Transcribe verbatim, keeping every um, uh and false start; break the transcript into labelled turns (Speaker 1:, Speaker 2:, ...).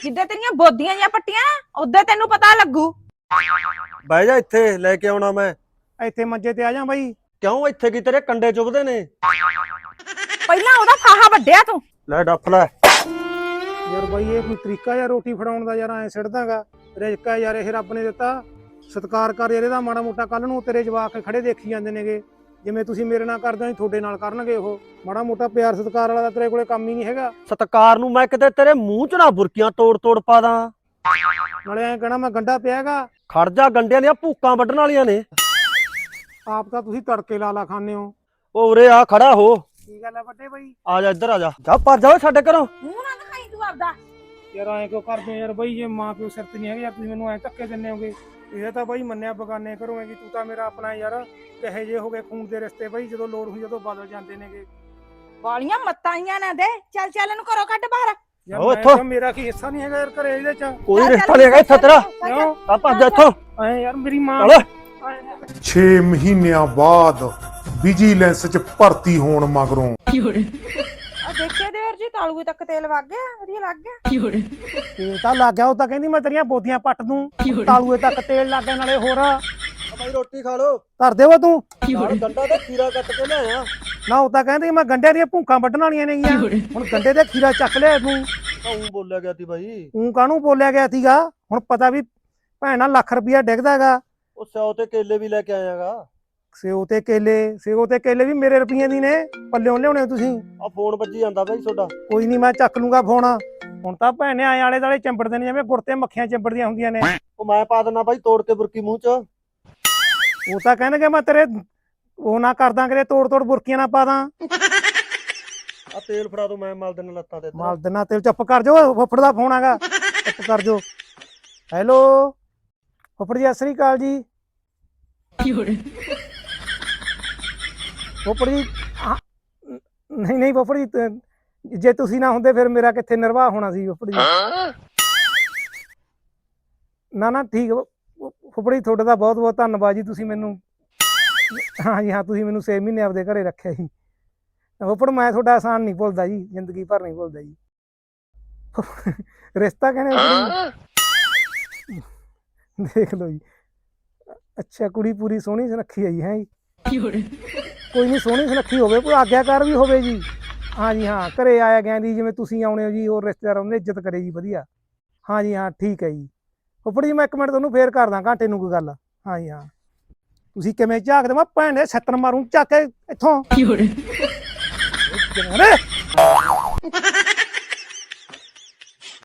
Speaker 1: ਜਿੱਦੇ ਤੇਰੀਆਂ ਬੋਦੀਆਂ ਜਾਂ ਪੱਟੀਆਂ ਉਦੋਂ ਤੈਨੂੰ ਪਤਾ ਲੱਗੂ।
Speaker 2: ਬਹਿ ਜਾ ਇੱਥੇ ਲੈ ਕੇ ਆਉਣਾ ਮੈਂ।
Speaker 3: ਇੱਥੇ ਮੰਜੇ ਤੇ ਆ ਜਾ ਬਾਈ।
Speaker 2: ਕਿਉਂ ਇੱਥੇ ਕੀ ਤੇਰੇ ਕੰਡੇ ਚੁਭਦੇ ਨੇ?
Speaker 1: ਪਹਿਲਾਂ ਉਹਦਾ ਫਾਹਾ ਵੱਢਿਆ ਤੂੰ।
Speaker 2: ਲੈ ਡੱਫ ਲੈ।
Speaker 3: ਯਾਰ ਬਾਈ ਇਹ ਕੋਈ ਤਰੀਕਾ ਯਾਰ ਰੋਟੀ ਫੜਾਉਣ ਦਾ ਯਾਰ ਐ ਸਿੱਟਦਾਗਾ ਰਿਜ਼ਕਾ ਯਾਰ ਇਹ ਰੱਬ ਨੇ ਦਿੱਤਾ। ਸਤਿਕਾਰ ਕਰ ਯਾਰ ਇਹਦਾ ਮਾੜਾ ਮੋਟਾ। ਕੱਲ ਨੂੰ ਤੇਰੇ ਜਵਾਕ ਖੜੇ ਦੇਖੀ ਜਾਂਦੇ ਨੇਗੇ ਜਿਵੇਂ ਤੁਸੀਂ ਮੇਰੇ ਨਾਲ ਕਰਦੇ ਹੋ ਤੁਹਾਡੇ ਨਾਲ ਕਰਨਗੇ ਉਹ। ਮਾੜਾ ਮੋਟਾ ਪਿਆਰ ਸਤਿਕਾਰ ਵਾਲਾ ਤਾਂ ਤੇਰੇ ਕੋਲੇ ਕੰਮ ਹੀ ਨਹੀਂ ਹੈਗਾ।
Speaker 2: ਸਤਿਕਾਰ ਨੂੰ ਮੈਂ ਕਿਤੇ ਤੇਰੇ ਮੂੰਹ ਚ ਨਾ ਬੁਰਕੀਆਂ ਤੋੜ ਤੋੜ ਪਾ ਦਾਂ।
Speaker 3: ਨਾਲੇ ਐਂ ਕਹਿਣਾ ਮੈਂ ਗੰਡਾ ਪਿਆ ਹੈਗਾ।
Speaker 2: ਖੜ ਜਾ, ਗੰਡਿਆਂ ਦੀਆਂ ਭੂਕਾਂ ਵੱਢਣ ਵਾਲੀਆਂ ਨੇ।
Speaker 3: ਆਪ ਤਾਂ ਤੁਸੀਂ ਤੜਕੇ ਲਾ ਲਾ ਖਾਂਦੇ ਹੋ।
Speaker 2: ਉਹ ਉਰੇ ਆ ਖੜਾ ਹੋ।
Speaker 3: ਕੀ ਗੱਲ ਹੈ ਵੱਡੇ ਬਾਈ?
Speaker 2: ਆ ਜਾ ਇੱਧਰ ਆ ਜਾ। ਜਾ ਭੱਜ ਜਾ ਓਏ ਸਾਡੇ ਘਰੋਂ।
Speaker 1: ਮੂੰਹ ਨਾ ਦਿਖਾਈ ਤੂੰ ਆਪਦਾ।
Speaker 3: ਯਾਰ ਐਂ ਕਿਉਂ ਕਰਦੇ ਹੋ ਯਾਰ ਬਾਈ? ਜੇ ਮਾਂ ਪਿਓ ਸਿਰ ਤੇ ਨਹੀਂ ਹੈਗੇ ਯਾਰ ਤੁਸੀਂ ਮੈਨੂੰ ਐਂ ਧੱਕੇ ਦਿੰਦੇ ਹੋਗੇ। ਇਹ ਤਾਂ ਬਾਈ ਮੰਨਿਆ ਬਗਾਨੇ ਘਰੋਂ ਹੈਗੀ। ਤੂੰ ਤਾਂ ਮੇਰਾ ਆਪਣਾ ਯਾਰ। ਕਹੇ ਜੇ ਹੋ ਗਏ ਖੂਨ ਦੇ ਰਿਸ਼ਤੇ ਬਾਈ, ਜਦੋਂ ਲੋੜ ਹੋਈ ਜਦੋਂ ਬਦਲ ਜਾਂਦੇ ਨੇਗੇ।
Speaker 1: ਵਾਲੀਆਂ ਮੱਤਾਂ ਆਈਆਂ ਨਾ ਦੇ। ਚੱਲ ਚੱਲ ਇਹਨੂੰ ਘਰੋਂ ਕੱਢ ਬਾਹਰ।
Speaker 3: ਯਾਰ
Speaker 2: ਓ
Speaker 3: ਮੈਂ
Speaker 2: ਇੱਥੋਂ।
Speaker 3: ਤਾਂ ਮੇਰਾ ਕੀ ਹਿੱਸਾ ਨਹੀਂ ਹੈਗਾ ਯਾਰ ਘਰੇ ਇਹਦੇ ਚ।
Speaker 2: ਕੋਈ ਰਿਸ਼ਤਾ ਨਹੀਂ ਹੈਗਾ ਇੱਥੇ ਤੇਰਾ।
Speaker 3: ਕਿਉਂ?
Speaker 2: ਆ ਭੱਜ ਜਾ ਇੱਥੋਂ।
Speaker 3: ਐ ਯਾਰ ਮੇਰੀ ਮਾਂ।
Speaker 2: ਚਲ
Speaker 4: ਛੇ ਮਹੀਨਿਆਂ ਬਾਅਦ ਵਿਜੀਲੈਂਸ ਚ ਭਰਤੀ ਹੋਣ ਮਗਰੋਂ
Speaker 1: ਆ ਦੇਖੇ ਦੇਰ ਜੀ ਤਾਲੂਏ ਤੱਕ ਤੇਲ ਵਗ ਗਿਆ। ਵਧੀਆ ਲੱਗ ਗਿਆ।
Speaker 3: ਤੇਲ ਤਾਂ ਲੱਗ ਗਿਆ। ਉਹ ਤਾਂ ਕਹਿੰਦੀ ਮੈਂ ਤੇਰੀਆਂ ਬੋਦੀਆਂ ਪੱਟ ਦੂੰ। ਤਾਲੂਏ ਤੱਕ ਤੇਲ ਲੱਗ ਗਿਆ ਨਾਲੇ ਹੋਰ।
Speaker 2: ਬਾਈ ਰੋਟੀ ਖਾ ਲੋ।
Speaker 3: ਧਰ ਦੇਵਾ ਤੂੰ।
Speaker 2: ਨਾਲ ਗੰਡਾ ਤੇ ਖੀਰਾ ਕੱਟ ਕੇ ਲਿਆਇਆ।
Speaker 3: ਨਾ ਉਹ ਤਾਂ ਕਹਿੰਦੀ ਮੈਂ ਗੰਡੇ ਦੀਆਂ ਭੂਕਾਂ ਵੱਢਣ ਵਾਲੀਆਂ ਨੇਗੀਆਂ। ਹੁਣ ਗੰਡੇ ਦੇ ਖੀਰਾ ਚੱਕ ਲਿਆ ਤੂੰ।
Speaker 2: ਤੂੰ ਬੋਲਿਆ ਗਿਆ ਸੀ ਬਾਈ।
Speaker 3: ਤੂੰ ਕਾਹਨੂੰ ਬੋਲਿਆ ਗਿਆ ਸੀਗਾ? ਹੁਣ ਪਤਾ ਵੀ ਭੈਣਾ ਲੱਖ ਰੁਪਇਆ ਡਿੱਗਦਾ ਹੈਗਾ।
Speaker 2: ਉਹ ਸਿਓ ਤੇ ਕੇਲੇ ਵੀ ਲੈ ਕੇ ਆਇਆਗਾ।
Speaker 3: ਸੇਓ ਤੇ ਕੇਲੇ। ਸੇਓ ਤੇ ਕੇਲੇ ਵੀ ਮੇਰੇ ਰੁਪਈਏ ਦੀ ਨੇ। ਪੱਲਿਓਂ ਲਿਆਉਣੇ ਤੁਸੀਂ।
Speaker 2: ਆ ਫੋਨ ਵੱਜੀ ਜਾਂਦਾ ਬਾਈ ਤੁਹਾਡਾ।
Speaker 3: ਕੋਈ ਨਹੀਂ ਮੈਂ ਚੱਕ ਲੂੰਗਾ ਫੋਨ। ਹੁਣ ਤਾਂ ਭੈਣੇ ਆਏ ਆਲੇ ਦਾਲੇ ਚੰਬੜਦੇ ਨੇ ਜਿਵੇਂ ਗੁੜ ਤੇ ਮੱਖੀਆਂ ਚੰਬੜਦੀਆਂ ਹੁੰਦੀਆਂ ਨੇ।
Speaker 2: ਉਹ ਮੈਂ ਪਾ ਦਿੰਦਾ ਬਾਈ ਤੋੜ ਕੇ ਬੁਰਕੀ ਮੂੰਹ ਚ।
Speaker 3: ਉਹ ਤਾਂ ਕਹਿਣਗੇ ਮੈਂ ਤੇਰੇ ਉਹ ਨਾ ਕਰਦਾ ਕਿਤੇ ਤੋੜ ਤੋੜ ਬੁਰਕੀਆਂ ਨਾ ਪਾ ਦਾਂ।
Speaker 2: ਆ ਤੇਲ ਫੜਾ ਦੋ, ਮੈਂ ਮਲ ਦੇਣਾ ਲੱਤਾਂ ਤੇ।
Speaker 3: ਮਾਲ ਦਿਨਾ ਤੇਲ। ਚੁੱਪ ਕਰ ਜਾਓ। ਫੁੱਫੜ ਦਾ ਫੋਨ ਹੈਗਾ। ਚੁੱਪ ਕਰ ਜਾਓ। ਹੈਲੋ ਫੁੱਫੜ ਜੀ ਸਤਿ ਸ੍ਰੀ ਅਕਾਲ ਜੀ। ਫੁੱਫੜ ਜੀ ਹਾਂ, ਨਹੀਂ ਨਹੀਂ ਫੁੱਫੜ ਜੀ ਤ- ਜੇ ਤੁਸੀਂ ਨਾ ਹੁੰਦੇ ਫਿਰ ਮੇਰਾ ਕਿੱਥੇ ਨਿਰਵਾਹ ਹੋਣਾ ਸੀ ਫੁੱਫੜ ਜੀ। ਨਾ ਨਾ ਠੀਕ ਫੁੱਫੜ ਜੀ ਤੁਹਾਡਾ ਤਾਂ ਬਹੁਤ ਬਹੁਤ ਧੰਨਵਾਦ ਜੀ। ਤੁਸੀਂ ਮੈਨੂੰ ਹਾਂ ਜੀ ਹਾਂ ਤੁਸੀਂ ਮੈਨੂੰ ਛੇ ਮਹੀਨੇ ਆਪਦੇ ਘਰੇ ਰੱਖਿਆ ਜੀ। ਫੁੱਫੜ ਮੈਂ ਤੁਹਾਡਾ ਆਸਾਨ ਨਹੀਂ ਭੁੱਲਦਾ ਜੀ। ਜ਼ਿੰਦਗੀ ਭਰ ਨਹੀਂ ਭੁੱਲਦਾ ਜੀ। ਰਿਸ਼ਤਾ ਕਹਿੰਦੇ ਫੁੱਫੜ ਜੀ। ਦੇਖ ਲਓ ਜੀ। ਅੱਛਾ ਕੁੜੀ ਪੂਰੀ ਸੋਹਣੀ ਸੁਨੱਖੀ ਹੈ ਜੀ। ਹੈ ਜੀ ਕੋਈ ਨਹੀਂ ਸੋਹਣੀ ਸੁਨੱਖੀ ਹੋਵੇ, ਕੋਈ ਆਗਿਆਕਾਰ ਵੀ ਹੋਵੇ ਜੀ। ਹਾਂ ਜੀ ਹਾਂ ਘਰੇ ਆਇਆ ਗਿਆ ਦੀ ਜਿਵੇਂ ਤੁਸੀਂ ਆਉਣੇ ਹੋ ਜੀ। ਹੋਰ ਰਿਸ਼ਤੇਦਾਰ ਉਹਨੇ ਇੱਜ਼ਤ ਕਰੇ ਜੀ ਵਧੀਆ। ਹਾਂ ਜੀ ਹਾਂ ਠੀਕ ਹੈ ਜੀ। ਫੁੱਫੜ ਜੀ ਮੈਂ ਇੱਕ ਮਿੰਟ ਤੁਹਾਨੂੰ ਫੇਰ ਕਰਦਾ ਘੰਟੇ ਨੂੰ ਕੋਈ ਗੱਲ। ਹਾਂ ਜੀ ਹਾਂ ਤੁਸੀਂ ਕਿਵੇਂ ਝਾਕਦੇ? ਮੈਂ ਭੈਣ ਦੇ ਛੱਤਰ ਮਾਰੂ ਚੱਕ ਕੇ ਇੱਥੋਂ।